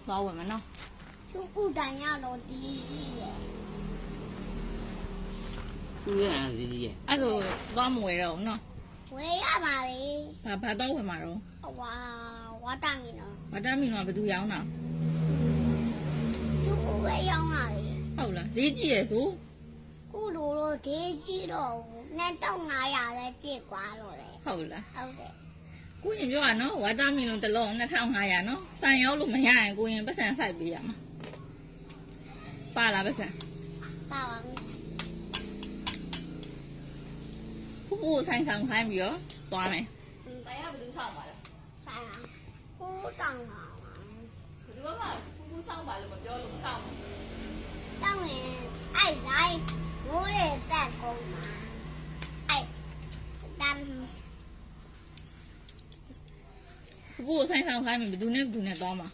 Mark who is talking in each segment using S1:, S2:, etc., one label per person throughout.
S1: သွားဝင်မနော်
S2: သူ့ဥတိုင်ရတော့ဒီကြီးရဲ့
S3: သူ့ရဲ့အစီကြီးရဲ့
S1: အဲ့ဆိုသွားမဝယ်တော့ဘူးနော်
S2: ဝေးရပါလေ
S1: ဘာတော့ဝင်မှာတော့
S2: ဝါဝါတိုင်နော်
S1: မတမ်းမီတော့ဘယ်သူရောင်းတာ
S2: သူ့ဝေးရောင်းပါလေ
S1: ဟုတ်လားဈေးကြီးရဲ့ဆို
S2: ကုလိုတော့ဒီကြီးတော့နဲ့တော့900လဲကြည့်ကွာတော့လေ
S1: ဟုတ်လား
S2: ဟုတ်တယ်
S1: ကိုရင်ပြောရနော်ဝါတာမီလုံးတစ်လုံး2500နော်ဆိုင်ရောက်လို့မရရင်ကိုရင်ပတ်စံဆိုင်ပေးရမှာပါလားပတ်စံ
S2: ပါပါ
S1: ဖူးဖူးဆိုင်ဆောင်ခိုင်းပြီးတော့သွားမယ်ဆိုင်ကဘယ်သူဆောင်ပါလဲ
S2: ဆိုင်ပါကိုတောင်းပါ
S1: ဘယ်သူကမှဖူးဖူးဆောင်ပါလို့မပြောလို့ဆောင်
S2: တောင်းရင်အဲ့တိုင်းမိုးရတက်ကုန်မှာအဲ့တန်း
S1: ဖူးဖူးဆိုင်ဆောင်ခိုင်းပြီးဘယ်သူနဲ့သွားမှာ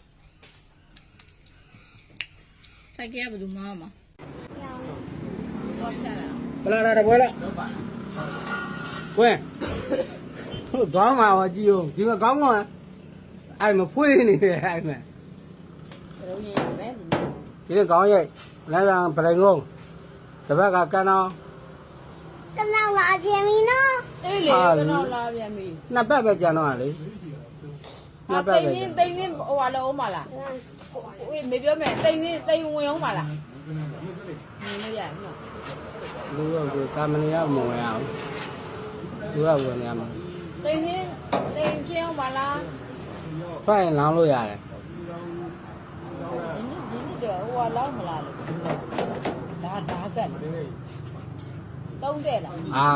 S1: ဆိုင်ကဘယ်သူမှမ
S2: ရောင်း
S1: သွားပြတာ
S3: ဘလာလာတပွဲလားကွင်းတို့တော့မှာပါကြည့်ဦးဒီမှာကောင်းကောင်းအဲ့မဖွေးနေတယ်အဲ့မဲ့
S1: တို့ရင်ပဲ
S3: ဒီနေ့ကောင်းရဲ့လမ်းဆောင်ပရိငုံတစ်ဘက်ကကန်အောင်
S2: ကနောက်လာခြင်းမီနော်
S1: အေးလေကတော့လာပြန်ပြီ
S3: နှစ်ပတ်ပဲကြံတော့လေနှစ်ပတ်ပဲ
S4: တိန်င်းဟိုဟာလုံးအောင်ပါလားဝေးမေပြောမယ်တိန်ဝင်အောင်ပါလားမင်းလို့ရနော်
S3: လူကကာမနီကမဝင်အောင်လူကဝင်ရမှာ
S4: တိန်ရှင်းအောင်ပါလား
S3: ဖတ်ရင်လောင်းလို့ရတယ်
S4: ဒီနေ့တော့ဟိုဟာလောက်မလားလို့ဒါကတ်တုံးတဲ့လား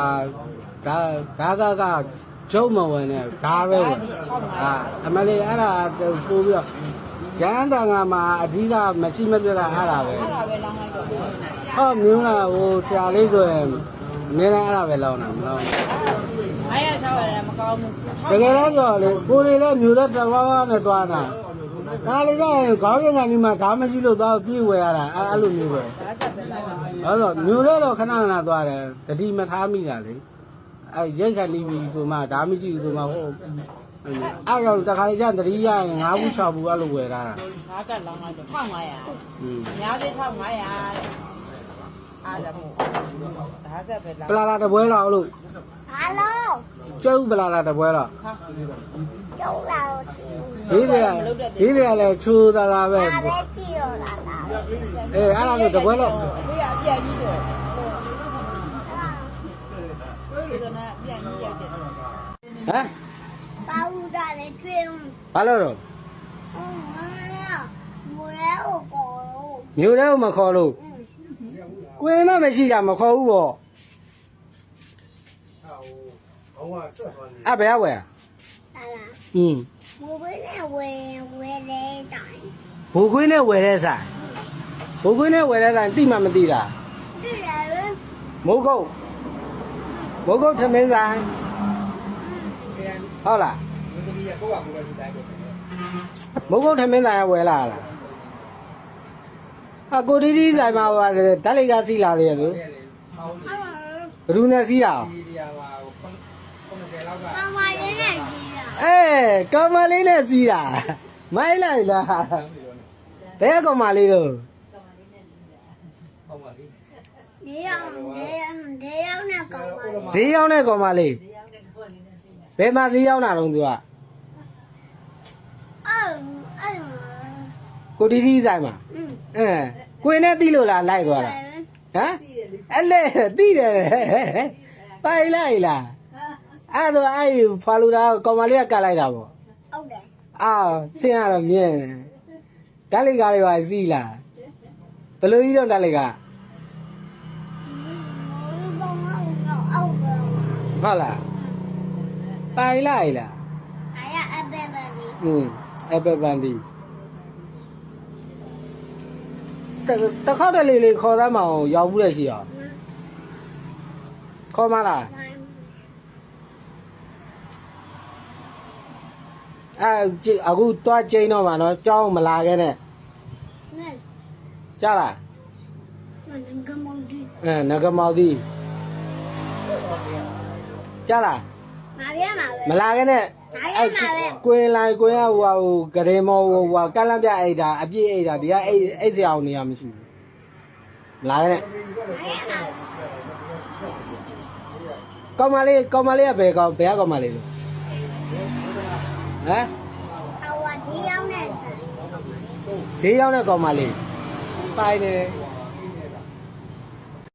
S3: ဒါကကျုံမဝင်နဲ့ဒါပဲအမလေးအဲ့ဒါပို့ပြီးတော့ကျန်းတန်ကမှာအဓိကမရှိမပြတ်တာအဲ့ဒါပဲ
S4: အဲ့ဒါပဲလောင်းလိုက်တော့
S3: ဟောမျိုးလားဟိုဆရာလေးဆိုရင်နည်းနည်းအဲ့ဒါပဲလောင်းတာမလောင်း
S4: အားရထားရတယ်မကောင်းဘူး
S3: တကယ်တော့ဆိုလေကိုလေးလည်းမျိုးတဲ့တစ်ဝါးဝါးနဲ့သွားတာဒါလေးကခေါင်းရင်းကနေမှဒါမရှိလို့သွားပြေးဝယ်ရတာအဲ့လိုမျိုးပဲ
S4: ဒါကပဲလောင်းတာ
S3: အဲ့တော့မျိုးတဲ့တော့ခဏခဏသွားတယ်တတိမထားမိတာလေအဲ့ရိတ်ခဏီးပြီဆိုမှဒါမရှိဘူးဆိုမှဟိုအဲ့တော့တခါလေကျတတိရရင်9ဘူး6ဘူးအဲ့လိုဝယ်တာ
S4: ဒါကလောင်းလိုက်တော့1500အများကြီး1500တဲ့အားလည်းမို့ဒါကပဲလောင်း
S3: ပလာလာတပွဲတော့လို့
S2: ဟာလို
S3: ကျုပ်ပလာလာတပွဲတော့
S4: ဟာ
S2: ကျုပ်လာတော့
S3: ဈေးတွေကလည်းချိုးသားသားပဲ
S2: ဒါပဲကြည့်ရတာဒါ
S3: အေးအဲ့ဒါလို့တပွဲတော့
S4: ဘေးကအပြည့်ကြီးတော့ဒီကနေ့ပြန်ကြီးရိုက်တယ်
S3: ဟမ်
S2: ပါဦးတာလည်းကျွင်း
S3: ဘာလို့တော့
S2: မွေးကိုပေါ်လို့
S3: မျိုးတဲ့မခေါ်လို့ကွင်းတော့မရှိတာမခေါ်ဘူးပေါ့အဲ့ဘယ်ဝယ်
S2: ဟာလား
S3: อืม
S2: မွေးနဲ့ဝယ်တဲ့တိုင်း
S3: ဘိုးခွင်းနဲ့ဝယ်တဲ့ဆိုင်ဘိုးခွင်းနဲ့ဝယ်တဲ့ဆိုင်တိမှမသိတာ
S2: ဒီလည်း
S3: မိုးကုတ်ထမင်းဆိုင်ဟုတ်လားမိုးကုတ်ထမင်းဆိုင်ကဝယ်လာလားအကိုတီတီဆိုင်မှာပါတယ်ဓာတ်လိကစီးလာလေဆိုဘယ်သူနဲ့စီးတာ
S2: ကောင်းပါလေနဲ့ကြီးတာ
S3: ကောင်မလေးနဲ့စီးတာမိုက်လိုက်လားဘယ်ကောင်မလေးတော့
S2: ဒီအောင်နဲ့ကောင်းပါလေ
S3: ဈေးရောက်တဲ့ကောင်မလေးဘယ်မှာဈေးရောက်တာတော့သူက
S2: အဲ့
S3: ကိုတီတီဆိုင်မှာကိုင်းနဲ့တီးလို့လားလိုက်သွားတာဟမ်အဲ့လေတီးတယ်ပိုင်လိုက်လားအဲ့တော့အဲ့ဖာလူတာကောင်မလေးကကတ်လိုက်တာပေါ့
S2: ဟုတ်တယ်
S3: အာဆင်းရတော့မြင်ဓာတ်လိကားလေးပါစီးလားဘယ်လိုကြီးတော့ဓာတ်လိကား ဟုတ်လားပိုင်လိုက်လား
S2: အဘယ်ပဲဒီ
S3: အပပန်ဒီတခေါက်တလေလေးခေါ်သားမအောင်ရောက်ဘူးလေရှိအောင်ခေါ်မလားအခုတွားကျင်းတော့မှာနော်ကြောင်းမလာခဲ့နဲ့ကြားလား
S2: ငကမောင်ဒီ
S3: ငကမောက်သည်ကြားလား
S2: ဟငါပြမှာပဲ
S3: မလာခဲ့နဲ့ကွင်းလိုက်ကွင်းကဟိုဂရေမောဟိုကန့်လန့်ပြအိတ်တာအပြည့်အိတ်တာဒီကအိတ်စရာအောင်နေရမရှိဘူးမလာခဲ့နဲ့
S2: ငါပြမှာပဲ
S3: ကောင်းမလေးကဘယ်ကောင်းမလေးလို့ဟမ်
S2: အဝဒီရောက်နေတယ်
S3: ဈေးရောက်တဲ့ကောင်းမလေးပိုင်နေတယ်